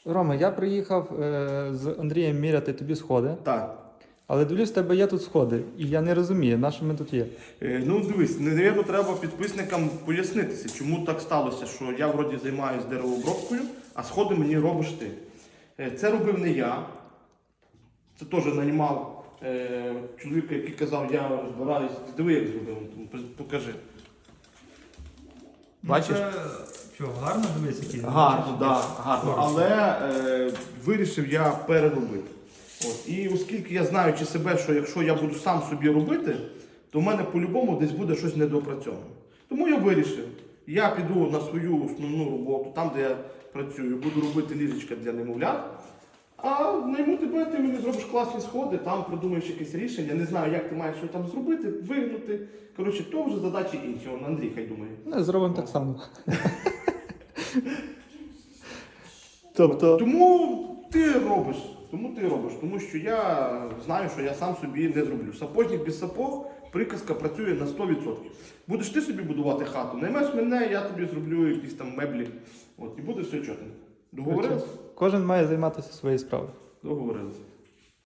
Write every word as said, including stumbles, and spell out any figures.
Рома, я приїхав е, з Андрієм міряти тобі сходи, Так. але дивлюсь, в тебе є тут сходи, і я не розумію, на що ми тут є. Е, Ну дивись, навірно, треба підписникам пояснитися, чому так сталося, що я вроді займаюся деревообробкою, а сходи мені робиш ти. Е, Це робив не я. Це теж наймав е, чоловіка, який казав, я розбираюсь. Диви, як зробив, покажи. Бачиш? Що, гарно дивись, який? Гарно, так, да, гарно. Але е, вирішив я переробити. От. І оскільки я знаючи себе, що якщо я буду сам собі робити, то в мене по-любому десь буде щось недоопрацьоване. Тому я вирішив, я піду на свою основну роботу, там, де я працюю, буду робити ліжечка для немовлят. А найму тебе, ти мені зробиш класні сходи, там придумаєш якесь рішення, не знаю, як ти маєш що там зробити, вигнути. Коротше, то вже задачі інші, он Андрій хай думає. Ну, зробимо так само. Тобто... Тому ти робиш, тому ти робиш, тому що я знаю, що я сам собі не зроблю. Сапожник без сапог, приказка працює на сто відсотків. Будеш ти собі будувати хату, наймеш мене, я тобі зроблю якісь там меблі. От, і буде все чотно. Договорились? Кожен має займатися своєю справою. Договорились.